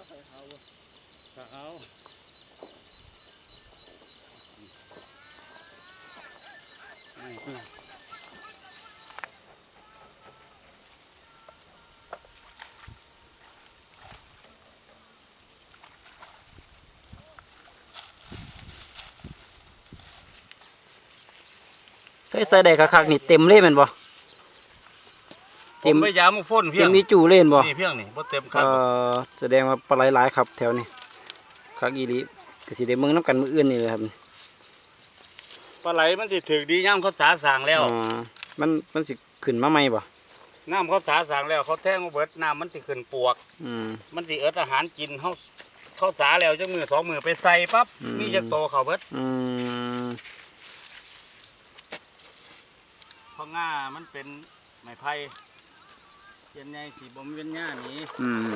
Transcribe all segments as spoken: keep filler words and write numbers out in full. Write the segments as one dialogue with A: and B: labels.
A: เอา
B: ใส่ใส่ได้คักๆนี่เต็มเลยแม่นบ่
A: เต็มไม่ยามฝนเพีย
B: เต็
A: ง
B: มมีจู่เล่นบ่
A: นี่เพียงนี่บ่เต็มครับ
B: เอ่อแสดงว่าปลาไหลหลายครับแถวนี้คักอีหลีก็สิได้เมืองน้ำกันมื้ออื่นนี่แหละครับ
A: ปลาไหลมันสิถึกดีย่ำเขาสาสางแล้ว
B: อ๋อมันมันสิขึ้นมาใหม่บ่
A: น้ำเขาสาสางแล้วเขาแท่งมาเบิดน้ำมันสิขึ้นปวก
B: อืม
A: มันสิเอิดอาหารกินเขาเขาสาแล้วจังมือสองมือไปใส่ปั๊บ
B: อืม
A: มีจักโตเขาเบิด
B: อืม
A: เพราะง่ามันเป็นไม้ไผ่เย็นใหญ่สีบ่มีเป็นหญ้าหนี
B: อืม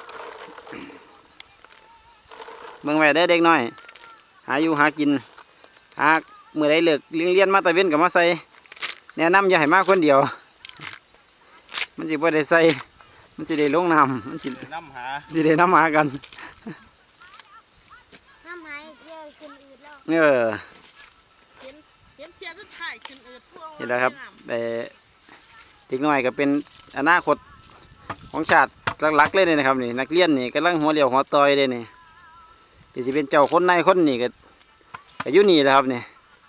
B: เมืองไว้ได้อเด็กน้อยหาอยู่หากินหามื้อใดเลิกเรียนมาตะเว้นก็มาใส่แนะนำอย่าให้มาคนเดียว มันสิบ่ได้ใส่มันสิได้ลงน้ำมันสิ
A: น้ำหา
B: สิได้น้ำหากัน
C: น้ำหายเยอะขึ้นอืดแล้ว
B: เออ
D: เห็นเห็นเทียนรถถ่ายขึ้นเอิดพวก
B: นี่แหละครับแต่เด็กน้อยก็เป็นอนาคตของชาติหลักๆเลยนะครับนี่นักเรียนนี่กำลังหัวเรียวหัวต่อยเลยนี่ที่สิเป็นเจ้าคนในคนนี่ก็ก็อยู่นี่แหละครับนี่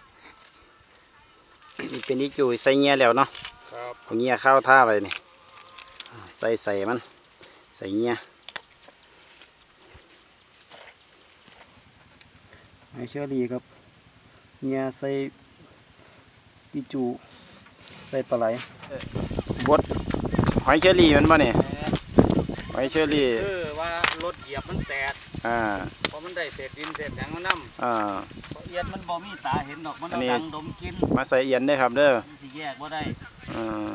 B: นี่เป็นอีจุยใส่เงี้ยแล้วเนาะ
A: ครับ
B: เอาเงี้ยเข้าวท่าไปนี่ใส่ใส่มันใส่เงี้ยไอเชอรี่ครับเงี้ยใส่อีจูใส่ปลาไหลบดหอยเชอรี่มันบ่เนี่ยหอยเชอรี่
A: คือว่ารถเหยียบมันแตก
B: อ่า
A: เพราะมันได้เศษดินเศษหยังมันน้
B: อ่า
A: ำเพราะเอียดมันบ่มีตาเห็นดอกมัน
B: อั
A: เอา
B: นนี้
A: ดังดมกิน
B: มาใส่เอียนได้อครับเด้อ
A: มันสิแยกบ่ได้
B: อ่า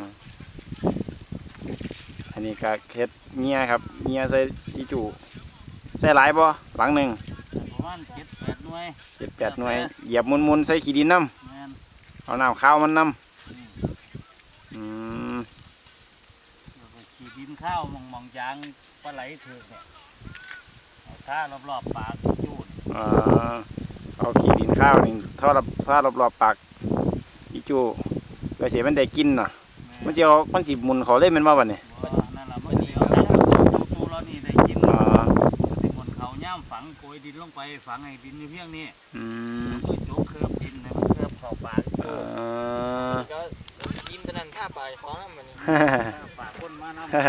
B: อันนี้ก็เฮ็ดเงี้ยครับเงี้ยใส่อีจูใส่หลายบ่หลังหนึ่ง
A: ประมาณเจ็ดแปดหน่วย
B: เจ็ดแปดหน่วยเหยียบมุนๆใส่ขี้ดินน้
A: แม่น
B: ำเอาน้ำข้าวมันน้ำอืม
A: แล้วก็ขี่ดินข้าวมองมองๆยางปลาไหลเถือกเนี่ยเอาท่ารอบๆปากจูด
B: อ่าเอาขี้ดินข้าวนี่ท่อรับท่ารอบๆปากอีจูก็เสียมันได้กินเนาะมันจะเอามันสิหมุนเขาเล่นมันมาบ่เนี่ย
A: บ่นั่นล่ะมันเดียวดังจูเรานี่ได้กิน
B: อ๋อ
A: มันสิหมนเขาย่ามฝังโกยดินลงไปฝังให้ดินอยู่เพียงนี้
B: อืม
A: มือโจกเคลือบดินให้มันเคลือบเข้าปาก
B: เอ
A: จูด
B: อ
C: ก็ยิ้มตะนันท่าปลายของน้ำมันนี่
A: ปากคนมาน้ำ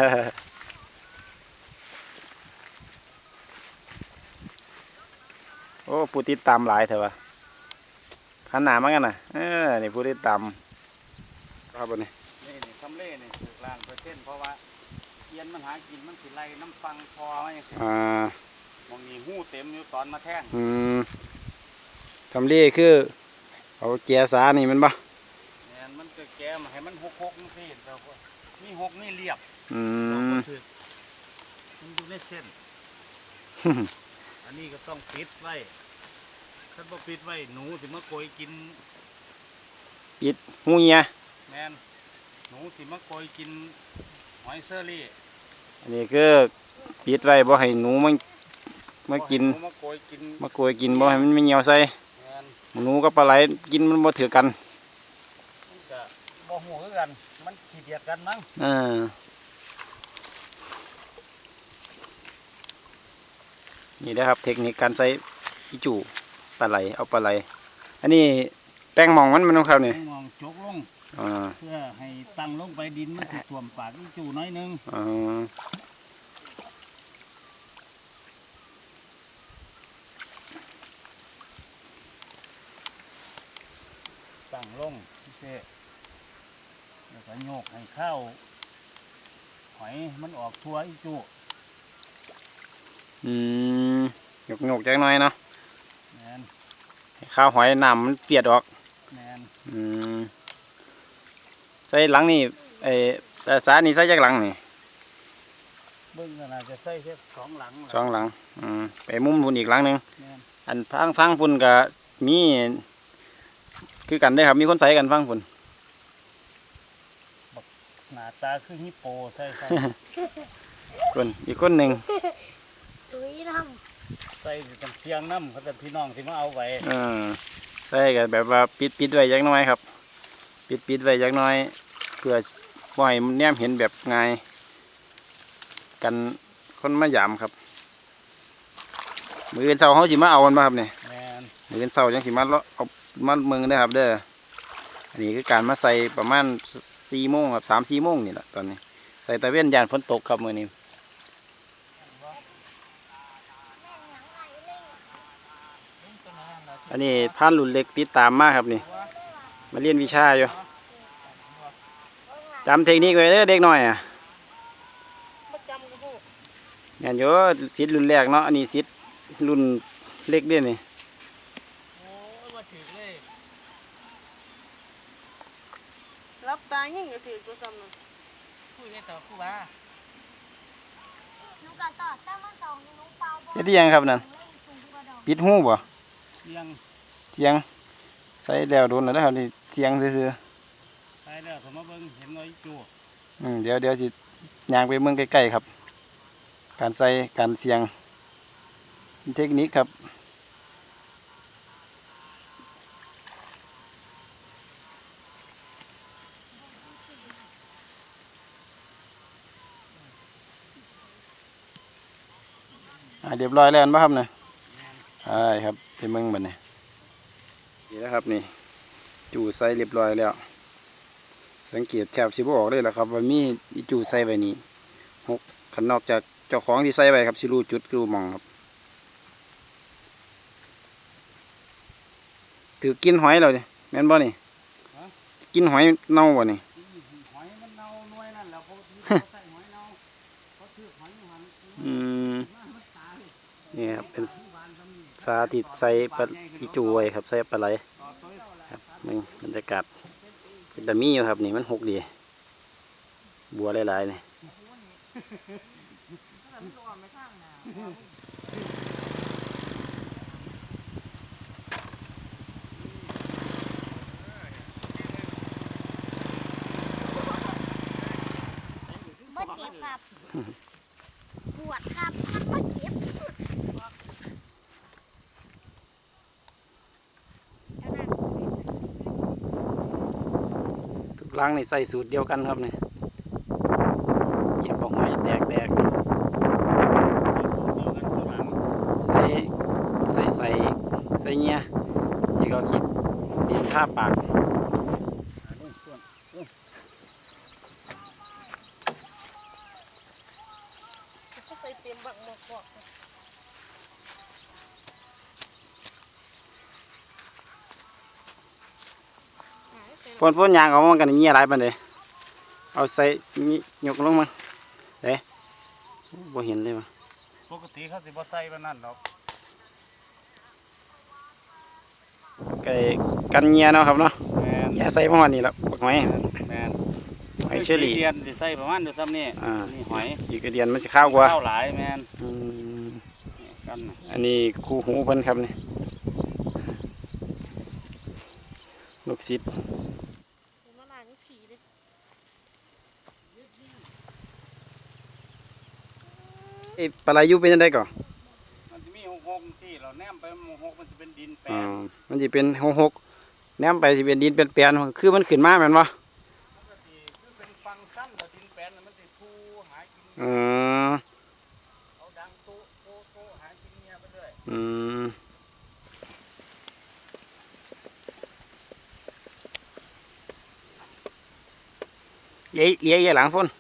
B: โอ้ผู้ติดตามหลายเถอะวะขนาดมั้งกันนะเออนี่ผู้ติดตามครับบนนี้
A: นี่นี่ทำเล่นี่ถูกล้านเปอร์เซ็นต์เพราะว่าเอียนมันหากินมันสิไล่น้ำฟังพอไว้
B: อ่าม
A: องนี่หู้เต็มอยู่ตอนมาแท่ง
B: อืมทำเล่คือเอาแกสานี่มันปะ
A: เนี่ยมันจะแกมาให้มันหกหกนี่สิแต่ว่ามีหกนี่เรียบ
B: อื
A: เรา
B: ม
A: ก็ถือมันอยู่ในเส้น อันนี้ก็ต้องปิดไว้ถ้าบ่ปิดไว้หนูสิมาโกยกิน
B: ปิดหูเงีย
A: แมนหนูสิมาโกยกินหอยเซอรี่
B: อันนี้คือปิดไว้บ่ให้หนูมันมากิน
A: หมาโกยกิน
B: มาโกยกินบ่ให้มันไม่เหี่ยวใส่
A: แมน
B: หนูกับปลาไหลกินมันบ่ถือกัน
A: มันจะบ่หูคือกัน มันขี้เดียดกันมั้ง
B: อ่านี่นะครับเทคนิคการใส่อีจูปลาไหลเอาปลาไหลอันนี้แป้งหมองมันมันของเขาเนี่ย
A: มองจกลง
B: อ่า
A: เพื่อให้ตั้งลงไปดินมันสิท่วมปากอีจูน้อยหนึง
B: อ่า
A: ตั้งลงเช่แล้วก็โยกให้ข้าวหอยมันออกทั่วอีจู
B: อืมหยกหยกๆจักหน่อยเนาะ
A: แมน
B: ให้ข้าวหอยน้ำมันเปียดออก
A: แมน
B: อืมใส่หลังนี่ไอ้แต่สานี่ใส่จากหลังนี่
A: เบิ้งก็น่าจะใส่แค่สองหลัง
B: สองหลังอืมไปมุมพุ่นอีกหลังหนึ่ง
A: แมน
B: อันฟังฟังพุ่นก็มีคือกันได้อครับมีคนใส่กันฟังพุ่น
A: หน้าตาคือฮิปโปใส่ใส่
B: คนอีกคนหนึ่ง
C: ตุ้ย
A: สียงน้ำเขาจะพี่น้องที่มาเอาไว้
B: เออใส่ก็แบบว่าปิดปิดไว้จักหน้อยครับ ปิดปิดไว้จักหน้อยเพื่อบ่ให้แนมเห็นแบบง่ายกันคนมายามครับมื้ออื่นเช้าเขาสิมาเอามันมาครับเนี่ย
A: แมน
B: มื้ออื่นเช้าจังสิมาเลาะเอามาเมืองเด้อครับเด้ออันนี้คือการมาใส่ประมาณสี่โมงครับสามสี่โมงนี่แหละตอนนี้ใส่ตะเวนยานฝนตกครับมื้อนี้อันนี้พานรุ่นเล็กติดตามมาครับนี่มาเรียนวิชาอยู่จำเทคนิคไว้เด้อเด็กน้อยอ่ะ
D: ประจำกับพวก
B: แม่นอยู่สิทธิ์รุ่นแรกเนาะอันนี้สิทธิ์รุ่นเล็กเด้อนี่
C: โอ้ยมาถึงเลย
D: รับตายิ่งก็ถือตัวจำนะ
C: คุยได้ต่อคู่ว่า
E: หนูก็สอดแต่มันสองหนูเปล่าบ่
B: เฮ็ดอิหยังครับนั่น
E: เลยถุงกระดอง
B: ปิดหูบ่
A: เสียง
B: เสียงใส่แล้วโดนแล้วนะครับนี่เสียงซื่อ
A: ใส่แล้วเขามาเบิ่งเห็นน้อยจู่
B: ๆอืมเดี๋ยวเดี๋ยวสิย่างไปเมืองใกล้ๆครับ การใส่การเสียงเทคนิคครับอ่าเรียบร้อยแล้วป่ะครับเนี่ยใช่ครับไปเมืองบัดนี้นี่นะครับนี่จู่ใส่เรียบร้อยแล้ว สังเกตแถบสิบออกเลยแหละครับว่ามีอีจู่ใส่ไว้นี่หกขันนอกจากเจ้าของที่ใส่ไว้ครับสิรู้จุดรู้หมองครับถือกินหอยเราดิแม่นบ่นี่กินหอยเน่าบ่นี่
A: หอยมันเน่าหน่วยนั่นแล้วเขาเขาใส่หอยเน่าเขาถือหอยหัน
B: อืม
A: มันตาย
B: นี่ครับเป็น
A: บานทำนี่
B: สาธิตใส่ปลาอีจู่ไว้ครับใส่ปลาไหล
A: ต่อตัว
B: ครับมึงบรรยากาศเป็นตะมีอยู่ครับนี่มันหกดีบัวหลายๆนี่
E: บ่เจ็บครับปวดครับมันบ่เจ็บแล้วนั่น
B: ทุกหลังนี่ใส่สูตรเดียวกันครับนี่เหยียบบอกหอยแตกแตก
A: เดียวกันข้างหลัง
B: ใส่ใส่ใส่ใส่เงี้ยนี่ก็คิดดินท่าปาก
A: อ่านู่นส่วน
D: ก็ใส่เต็มบักหมกบอกอ่าใส่
B: ฝนฝนยางเอามันกันเงี้ยหลายปานใดเอาใส่นี่ยกลงมาเด้บ่เห็นเลยว่ะ
A: ปกติเขาสิบ่ใส่ปานนั้นดอก
B: ไก่กันเงี้ยเนาะครับเนาะ
A: แม่น
B: อย่าใส่ประมาณนี้ละบักหอย
A: แม่น
B: หอยเชอรี่
A: เดียนสิใส่ประมาณเดียวซ้ำนี่
B: อ่า
A: นี่หอย
B: อีกกระเดียนมันจะข้าวกว่า
A: ข้าวหลายแม่น
B: อืม
A: นี่กันน่ะ
B: อันนี้คู่หูเพิ่นครับนี่ลูกศิษย์
D: มะนาวนี่ผีเลย
B: ไอ้ปลาไหลอยูเป็นยังไงก่อน
A: มันจะมีหกหกที่เราแนมไปหกหกมันจะเป็นดินแปล
B: อ่าน มันจะเป็นหกหกแนมไปสิเป็นดินเป็นแปลนคือมันขึ้นมาแม่นบ่
A: ปกติคือเป็นฟังสั้นแต่ดินแปลนน่ะมันจะทูหากิน
B: อืม
A: เอาดังโตโตโตหากินเมียไปเรื่อย
B: อืมเลี้ยเลี้ยเลี้ยหลังฝน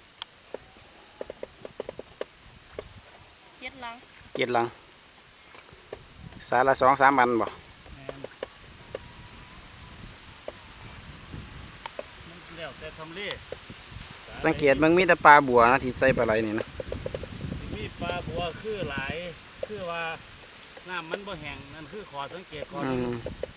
D: เจ็ดหลัง
B: เกียรหลังสาละสองสามพันบ่
A: แม่นมันแล้วแต่ทำเล
B: สังเกตมันมีแต่ปลาบัวนะที่ใส่ปลาไหลนี่นะ
A: มีปลาบัวคือหลายคือว่าน้ำมันบ่แห้งนั่นคือขอสังเกตขอ
B: อื
A: ดู
B: ม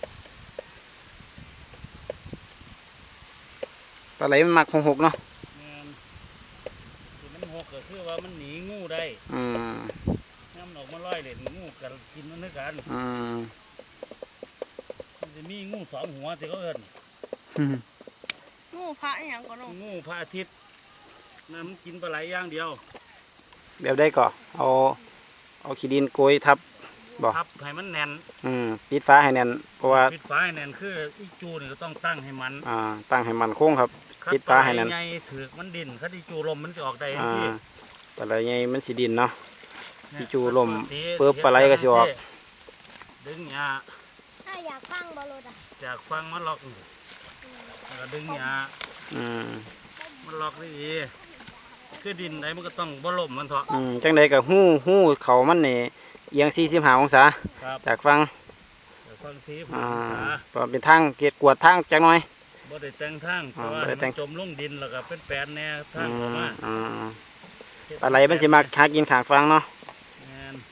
B: ปลาไหลมันมักหกหกเนาะ
A: แม่นที่มันหกก็คือว่ามันหนีงูได้
B: อืม
A: น้ำออกมาลอยเล่นงูกันกินมันด้วยกัน
B: อืม
A: มันจะมีงูสองหัวที่เขาเอิ้น
D: งูพระอหย่างก่อนเนาะ
A: งูพระอาทิตย์นั่นมันกินปลาไหลอย่างเดียว
B: แบบได้ก่อเอาเอาขี้ดินโกยทับบ่
A: พับให้มันแน่น
B: อืมปิดฟ้าให้แน่นเพราะว่า
A: ปิดฝาให้แน่นคืออีจูนี่ก็ต้องตั้งให้มัน
B: อ่าตั้งให้มันคงครับ
A: คัด
B: ปิดฝาให้แน่น
A: ใหญ่ถือกมันดินคัดอีจูลมมันจะออกได้ทัน
B: อ่า
A: ที
B: ปลาไหลใหญ่มันสิดินเนาะ
A: เนี่ย
B: อีจูลม
A: ตี
B: เปิบปลาไหลก็สิออก
A: ดึงหญ้า
E: ถ้าอยากฟังบอลลูนอ่ะ
A: จากฟังมันล็อกแล้วก็ดึงหญ้า
B: อืม
A: มันล็อกดีๆคือดินไหนมันก็ต้องบ่ล่มมันเถาะ
B: อืมจังใดก็หู้หู้เขามันนี่เอียงสี่สิบห้าองศา
A: ครับ
B: จากฟัง
A: เดี๋ยวฟังที
B: อ่า
A: ผมหา
B: เพราะเป็นทางเกตกวดทางจักหน่อย
A: บ่ได้แต่งทางเพ
B: อ่า
A: ราะว่า
B: บ่ได้แต่
A: มั
B: ง
A: นจมลงดินแล้วก็เป็นแปลนแน่ทาง
B: อื
A: ออก
B: ม
A: มา
B: อ่าปลาไหลมันสิมักหากินข้างฟังเนาะ
A: แม่น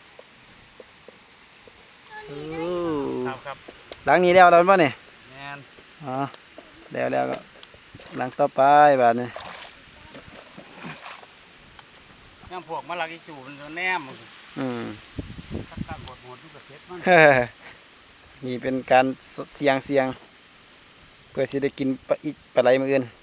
B: อู้
A: ครับครับ
B: หลังนี้แล้วแล้วป่ะเนี่ย
A: แม่น
B: อ๋อแล้วแล้วก็หลังต่อไปบาดนี้
A: ยังพวกมะลักอีจูมันก็แนมมัน
B: อืม
A: คัดตั้งหดหดทุกประเภทมัน
B: นี่เป็นการเสียงเสียงเพื่อสิได้กินปลาอิปลาไหลมืออื่น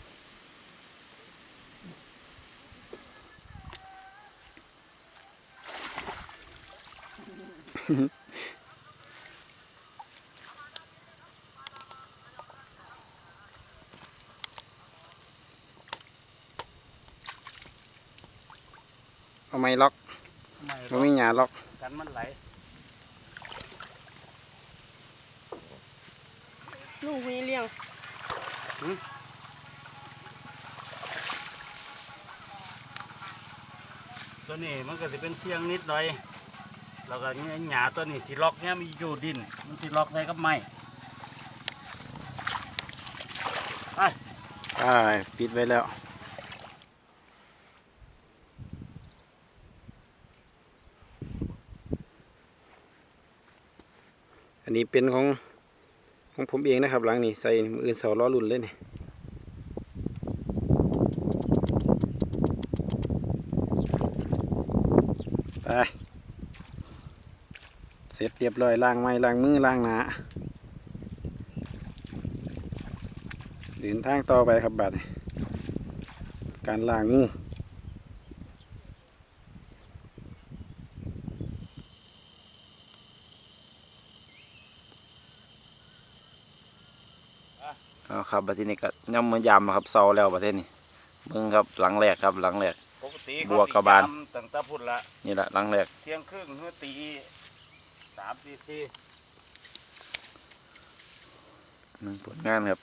B: เอาไม้ล็อก
A: ไม่หร
B: มั
A: อน ก
B: มีหยาล็อก
A: กันมันไหล
D: ลูกมีเลี้ยง
A: ตัวนี้มันก็จะเป็นเสียงนิดหน่อยแล้วก็เนี่ยหญ้าตัวนี้ที่ล็อกเนี่ยมันอยู่ดินมันที่ล็อกใส่กับไม้ไป
B: ใช่ปิดไว้แล้ว อันนี้เป็นของของผมเองนะครับ หลังนี้ใส่มืออื่นเสาล้อรุ่นเลยนี่ไปเสร็จเรียบร้อยล้างไม้ล้างมือล้างหน้าเดินทางต่อไปครับบัดนี้การล้างงู เอาครับบัดทีนี้ก็ย่ำมือยามครับเซาแล้วประเทศนี้เบิ่งครับหลังแรกครับหลังแรก
A: ปกติ
B: บวกกับบาน
A: เขสิย้ำตั้งแต่พุ่นละ
B: นี่แหละหลังแรก
A: เที่ยงครึ่งเมื่อตีสามตีสี่
B: หนึ่งผลงานครับ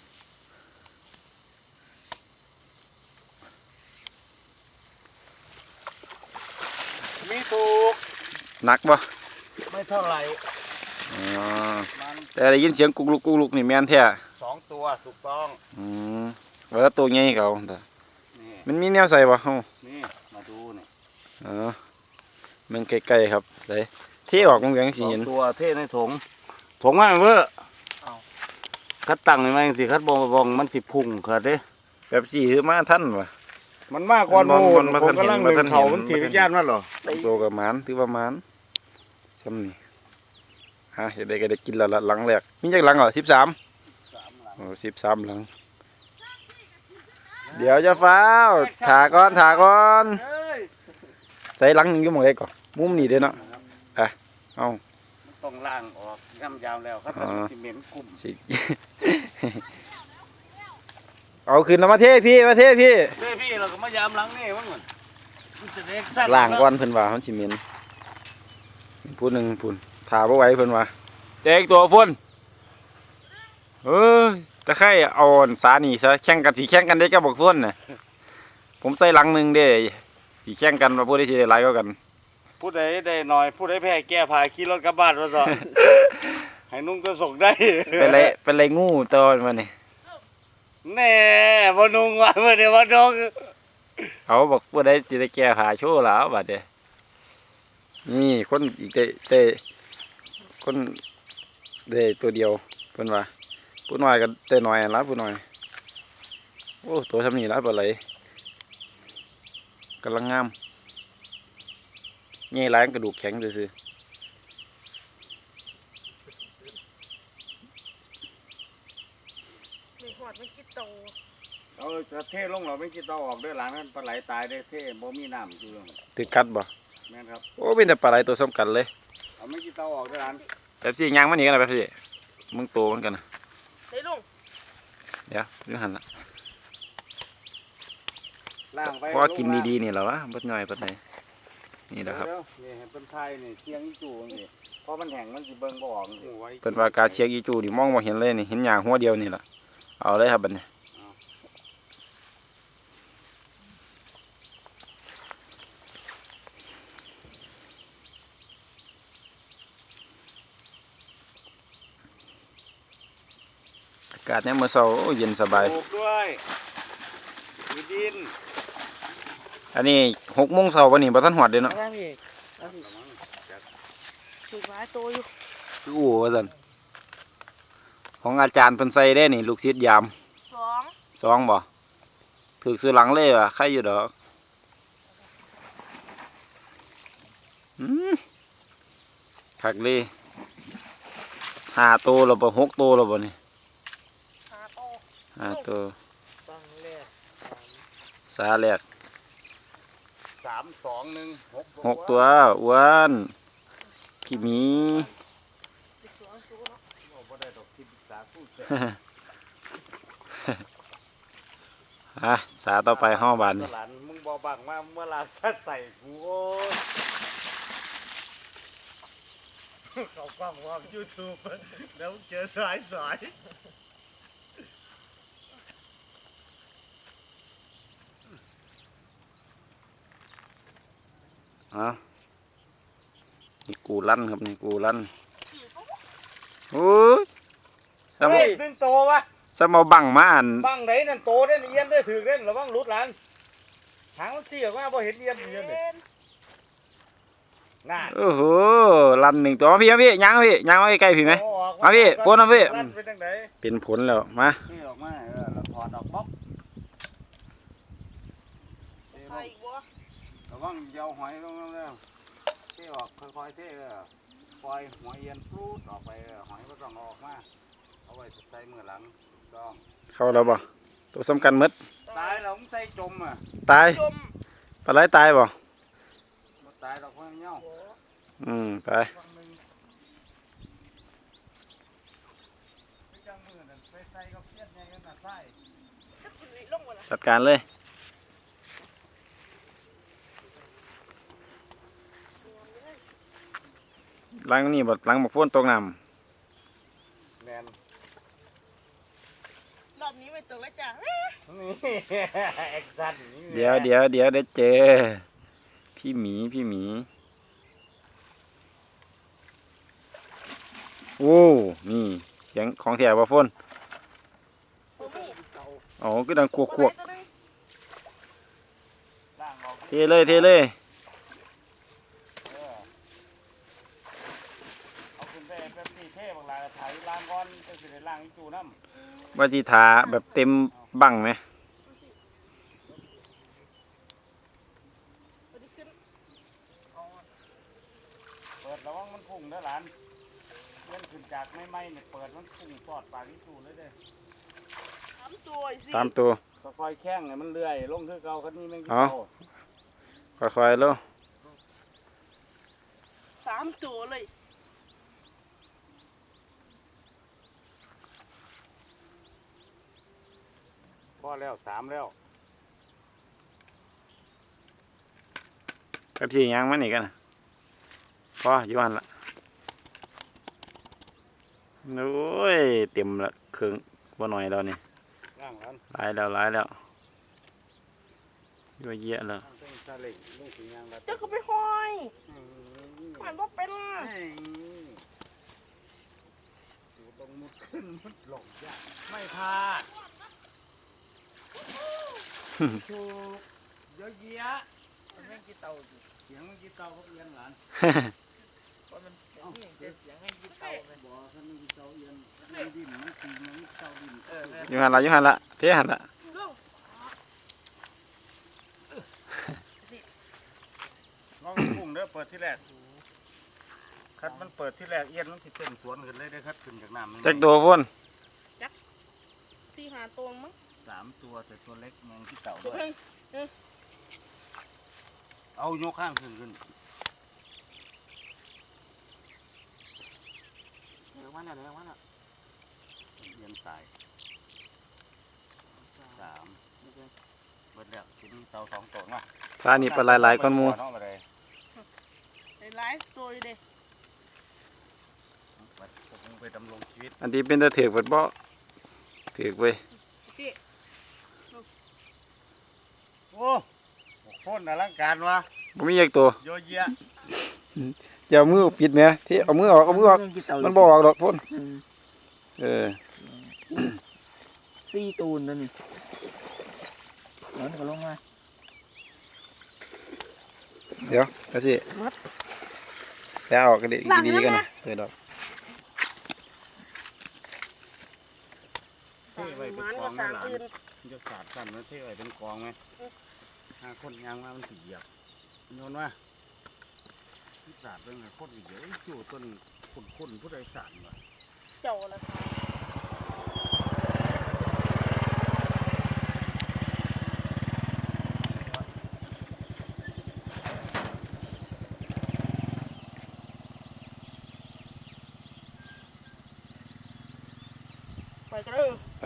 A: มีถูก
B: หนักปะ
A: ไม่เท่าไหร่
B: อ๋อ
A: มัน
B: แต่ได้ยินเสียงกุกลุกกุกลุกนี่แม่นแท้
A: สองตัวถูกต้อง
B: อืมว่าตัวใหญ่เขาแต่
A: นี่
B: มันมีแนวใส่ปะเฮา
A: นี่มาดูนี่
B: อ๋อมันใกล้ๆครับเลยเที่ออกมันเหลือง
A: ส
B: สี
A: อง
B: เห็น
A: ตัวเทในถุงถุงมันเวอร์คัดตั้งยังไงสิคัดบองบองมันสิพุ่งคัดเด้
B: แบบสีคือมาท่านวะ
A: มันมากกว่า
B: มัน
A: โน่
B: มัน น
A: ผมกำลังหนึ่ง
B: มันเห็น
A: เขามันถีบญาติมันเหรอ
B: ตัวกับหมานถือว่าหมานซ้ำนี่ฮะเดี๋ยวได้ก็ได้กินแล้วละหลังแรกมีจักหลังเหรอสิบสาม
A: สามหลัง
B: โอ้สิบสามหลัง เดี๋ยวจะฟ้าวถาก่อนถาก่อน
A: เอ้ย
B: ใส่หลังหนึ่งอยู่หมองใดก่อนมุมนี้เด้อเนาะอ่ะเอา
A: มันต้องล่างออกย่ำยาวแล้วคัดตั้งสิเหม็นกลุ่ม
B: สิ เอาขึ้นแล้วมาเทพี่มาเทพี่
A: เด้พี่เราก็มายามหลังนี่มันเหมือนมันจะเด็กสั้น
B: ล้างก่อนเพิ่นว่าเขาสิเหม็นพูดหนึ่งพูนถาบ่ไหว้เพิ่นว่าเด็กตัวฝุ่นเอ้ยตะไคร้เอาอันสานี่ซะแข่งกันสิแข่งกันได้กับบักฝุ่นน่ะผมใส่หลังหนึงเด้สิแข่งกันว่าผู้ใดสิได้หลายกว่ากัน
A: ผู้ใดได้หน่อยผู้ใดแพ้แก้ผายขี่รถกลับบ้านมาต่อ ให้นุ่งก็ส่งได้
B: เป็นไรเป็นไรงูตัวมันนี่
A: แน่บ่นุ่งว่าเมื่อเดี๋ยวบ่นุ่ง
B: เขาบอกผู้ใดสิได้แก้ผ้าโชว์แล้วบัดเด้นี่คนอีกได้ได้คนได้ตัวเดียวเพิ่นว่าผู้น้อยก็ได้น้อยละผู้น้อยโอ้ตัวทำนี่ละปลาไหลกำลังงามนี่ล้างกระดูกแข็งซื่อ
D: ไม่หอดมันจิตโต
A: เอาจะเทลงเราไม่คิดต่อออกด้วยหลังนั้นปลาไหลตายได้เทบ่มีน้ำอยู่
B: ๆตึกกัดบ่
A: คแม่นครับ
B: โอ้เป็นแต่ปลาไหลตัวสำคัญเลย
A: เอาไม่กี่เตาออกด้วยร้าน
B: แบบสิยางมันนี่กันนะแบบสิมึงโตเหมือนกันนะ
D: ได้ลุง
B: เดี๋ยวดูหันละ
A: ล่างไป
B: พอกินดีๆนี่แหละวะบดย่อยปานใดนี่แหละครับ
A: เดี๋ยวๆนี่เห็นต้นไทรนี่เชียงอีจู่นี่พอมันแห้งมันสิเบิ่งบ่ออกนี่
B: เป็นว่าการเชียงอีจูนี่มองบ่เห็นเลยนี่เห็นหญ้าหัวเดียวนี่ล่ะเอาเลยครับบัดนี้อากาศเนี่ยามมื้อเช้าโอ้เย็นสบาย
A: ปลูกด้วยมีดิน
B: อันนี้หกโมงเช้าวันนี้บ่ทันฮอดเด้เนาะ
C: ได้พี่เอาพี่
D: ถูกหลายตัวอยู่
B: คือโอ้ว่าซั่นของอาจารย์เพิ่นใส่ได้นี่ลูกศิษย์ยาม
D: สอง
B: สองบ่ถึกซื้อหลังเลยว่ะใครอยู่ดอกอืมคักเลยห้าโตแล้วบ่หกโตแล้วบ่นี่
D: หาตัว
B: ห้าโต
C: ฟังแรก
B: สาแรก
A: สามสองหนึ่งหก
B: หกตัวอ้วนพี่หมี
D: สิบสองตัวเนาะ
A: โอ้บ่ได้ดอกที่ปรึกษาผู้เส
B: อ่ะสาต่อไปห้องบานนี่
A: หลานมึงบอกบังว่าเมื่อลาสัดใส่กูโอ้ยเขากล้องว่ายูทูบแล้วเจอสายสาย
B: อ่ะนี่กูลั่นครับนี่กูลั่นโอ้ยสม
A: เฮ้ยดึงโตวะ
B: สมเอาบังมาอัน
A: บังไหนนั่นโตเด่นเอียนได้ถือเด่นระวังหลุดหลานหางมันเสียว่าพอเห็นเอียนเอียนเลย
D: เป็น
A: น่า
B: โอ้โหลั่นหนึ่งตัวมาพี่มาพี่ยังมาพี่ยังมาใกล้ๆพี่ไหม เอาพี่โพสต์เอาพี่
A: ลั่นเป็นจังได
B: เป็นผลแล้วมา
A: นี่ออกมาเออแล้วถอดออกป๊อกเท
D: ใค
A: ล
D: รง อีกวะ
A: ระวังเหยาหอยลงแล้วเทออกค่อยๆเทเออปล่อยหัวเอียนปลูดออกไปเออหอยก็ต้องออกมาเอาไว้ใส่มือหลังต้อง
B: เข้าแล้วบ่ตัวสำคัญหมด
A: ตายแล้วมึงใส่จมอ่ะ
B: ตาย
D: จม
B: ปลาไหลตายบ่
A: บ่ตายดอกเพิ่นเหี่ยว
B: อืมไป
A: ฟังหนึงไปจังมือนั่นไปใส่กับเสียดใหญ่กันน่ะใส่
D: จะขึ้นลิลงวะล่ะ
B: จัดการเลยหลังนี่บ่หลังบักฝนตกน้
A: แมน
D: รอบนี้ไม่ตกแล้วจ้ะ
A: นี่แอคชั่นนี่
B: ำเดี๋ยวเดี๋ยวเดี๋ยวได้เจอพี่หมีพี่หมีโอ้นี่เสียงของแถวบ่ฝน
D: โอ้โห
B: อ๋อก็ดังควกควก
D: ตัวไหนตัวหนึ่ง
A: ล่างออก
B: เทเลยเทเลย
A: เออเอาขึ้นไปแป๊บนี้เท่บางลายถ่ายล่างก่อนจะสิได้ล่างอีกจูน้ำ
B: ว่าจีทาแบบเต็มบังไหม
D: ดูสิตัวนี้ขึ้นเอาอะ
A: เปิดระวังมันพุ่งเด้อหลานเล่นขึ้นจากไม่ไม่เนี่ยเปิดมันพุ่งปอดปากอีกจูเลยเด้อ
D: สามตัวอีกสิ
B: ตามตัว
A: ค่อยๆแข้งเนี่ยมันเลื่อยลงคือเก่าคันนี้แม่งกิน
B: อ๋อ
A: โต
B: ค่อยๆแล้ว
D: สามตัวเลย
A: พอแล้วสามแล้ว
B: กระที่ยางมันอีกกันนะพออยู่หันละโอ้ยเต็มละเครื่องบ่หน่อยแล้วนี่
A: ล่างหลาน
B: หลายแล้วหลายแล้วยั่วเยะแล้ว
A: ล่างเส้นซาเล็งลูกสียางละ
D: เจ้าก็ไปห้อย
A: อืม
D: มันว่าเป็น
A: เฮ้ยกูต้องมุดขึ้นมุดลงยากไม่พลาดถูกเยอะแยะ
C: มันแม่งกี่เตาอยู่
A: เสียงมันกี่เตาพวกเอียนหลาน
C: เพราะมันนี่จะเสียงให้กี่เตามัน
A: บ่คันมันกี่เตาเอียนมันดินมันตีมันเตาดิน
C: เออแม่
B: อยู่หันละอยู่หันละเทหันละ
D: เรื่อง
A: ลองพุ่งเด้อเปิดที่แรกคัดมันเปิดที่แรกเอียนมันสิเต้นสวนขึ้นเลยได้อคัดขึ้นจากน้ำมัน
B: จักตัวพ่น
D: สี่หาตัวมั้ง
A: สามตัวแต่ตัวเล็กแมงที่เต่า
D: ตัว
A: ด้วย
D: เพิ่ง
A: เอายกข้างขึ้นขึ้น
C: มาแล้วเดี๋ยวมาแล้ว
A: เย็นตายสามเบิดแล้วกินเตาสองตัวเนาะ
B: ปลานี่ปลาหลายๆก้อนหมู
A: เนาะบ่ได้
D: ไอ้ไลฟ์ตัวอยู่เด้
A: บัดผมไปดำรงชีวิต
B: อันที่เป็นตะเถือกเบิดบ่เถือกเว้ย
D: พี่
A: โอ้หกคนอลังการวะ
B: บ่มีอีกตัว
A: โยเยะ
B: อย่าเอามือปิดแหมที่เอามือออกเอามือออกมันบ่ออกดอกพ่นเออ
C: ซี่ตูนนั่นนี่เดี๋ยวก็ลงมา
B: เดี๋ยวก็สิแล้วออกก็ดีดีๆกันนะเปิดดอก
A: เท่ไว้เป็น
D: มัน
A: ก
D: ก็
A: อง
D: สา
A: นะ
D: ม
A: หลาน
D: อื่น
A: มันจะสาดกันนะเท่ไว้เป็นกองไหมห้าคนยางมามันสีเหยียบโยนว่าสาดเป็นไงโคตรเยอะจู่ต้นคนคนผู้ใดสาดวะ
D: เจ้าละค่ะไปกันเลย
B: ไป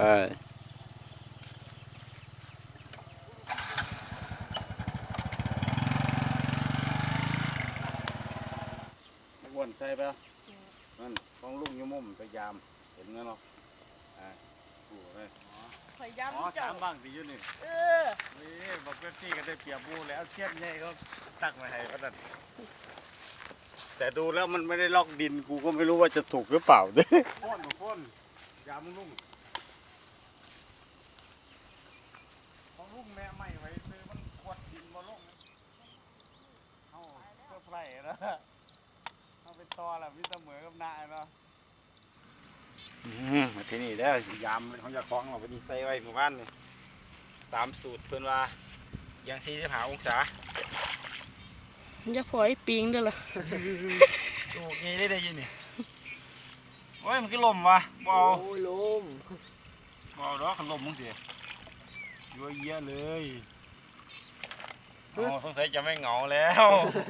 A: วนใช่ปะนั่นของลุงยมุ่มไปยามเห็นไหมเนาะอ่าดูเลย
D: พยายาม
A: อ๋อ
D: เจ้า
A: ถามบ้างดีอยู่นี่
D: เออ
A: นี่บอกเพื่อนพี่ก็ได้เปรียบบูแล้วเชียนใหญ่เขาตักมาให้ก็นั่นแต่ดูแล้วมันไม่ได้ล็อกดินกูก็ไม่รู้ว่าจะถูกหรือเปล่าเด้พ่นพ่นยามลุงของลุงแม่ไม่ไว้ซื้อมันขวดดินมาลงเอาเพื่อไผ่นะเอาไปต่อแล้ววิเสมอกับนายเนาะ
B: อืมมาที่นี่แล้วยามเขาจะคล้องเราไปนี่ใส่ไว้หมู่บ้านนี่ตามสูตรเพิ่นว่ายังสี่สิบห้าองศา
D: มันจะปล่อยปิงเด้อล่ะ
B: ดูงี้ได้ได้ยินนี่โอ้ยมันคือลมวะเบา
C: โอ้ยลม
B: เบาดอกขันลมมึงสิยั่วเยี่ยเลยอ๋อสงสัยจะไม่เหงาแล้ว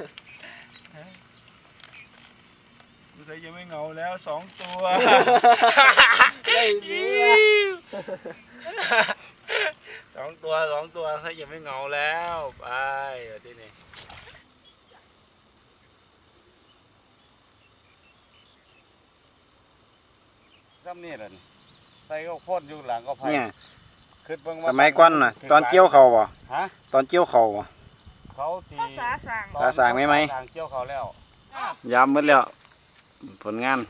B: สงสัยจะไม่เหงาแล้วสองตัว
C: ได้เยอะ
B: สองตัวสองตัวสงสัยจะไม่เหงาแล้วไปเดี๋ยวที่นี่
A: ซ้ำนี่แหละนี่ใส่ก็พ่นอยู่หลังก็ไผ่
B: เนี่ย
A: ขึ้นเบิ่ง
B: สมัยก่อนน่ะตอนเกี่ยวเขาบ่
A: ฮะ
B: ตอนเกี่ยวเขาบ่
A: เขาที
D: ภาษาสั่ง
B: ภาษาไหมไหม
A: ทางเกี่ยวเขาแล้ว
B: ยามหมดแล้วผลงาน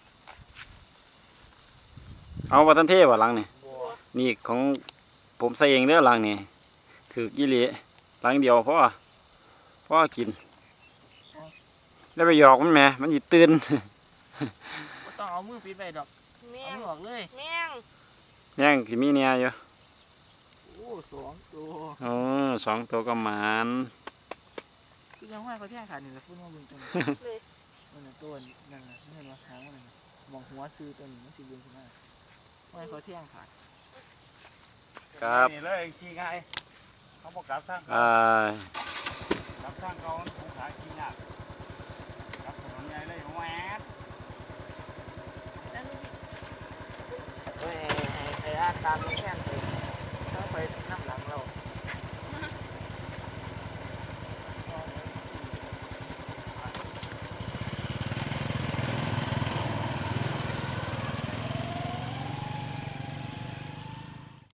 B: เอาวัตันเทพบ่หลังนี่นี่ของผมใส่เองเด้อหลังนี่ถือกี่หลีหลังเดียวพ่อพ่อกิน แล้วไปหยอกมันแหมมันสิตื่น
C: บ่ต้องเอามือปิดไว้ดอก
D: แม
C: เอา
D: ง
C: มือออกเลย
D: แมง
B: ย่างสิมีเนี่ยอยู่
C: โอ้สองตัว
B: โอ้สองตัวก็หมาน
C: คือยังห้อยเขาแท่งขาดนี่แหละพูดว่ามึงจัง
D: เลย
C: นั่นน่ะตัวนั่นน่ะไม่เห็นว่าหางมันนั่นน่ะมองหัวซื้อตัวนี้มันสิเบิ่งขึ้นมาห้อยเขาแท่งขาด
B: ครับ
A: นี่เลยขี้ง่ายเขาบอกกลับทาง
B: อ่า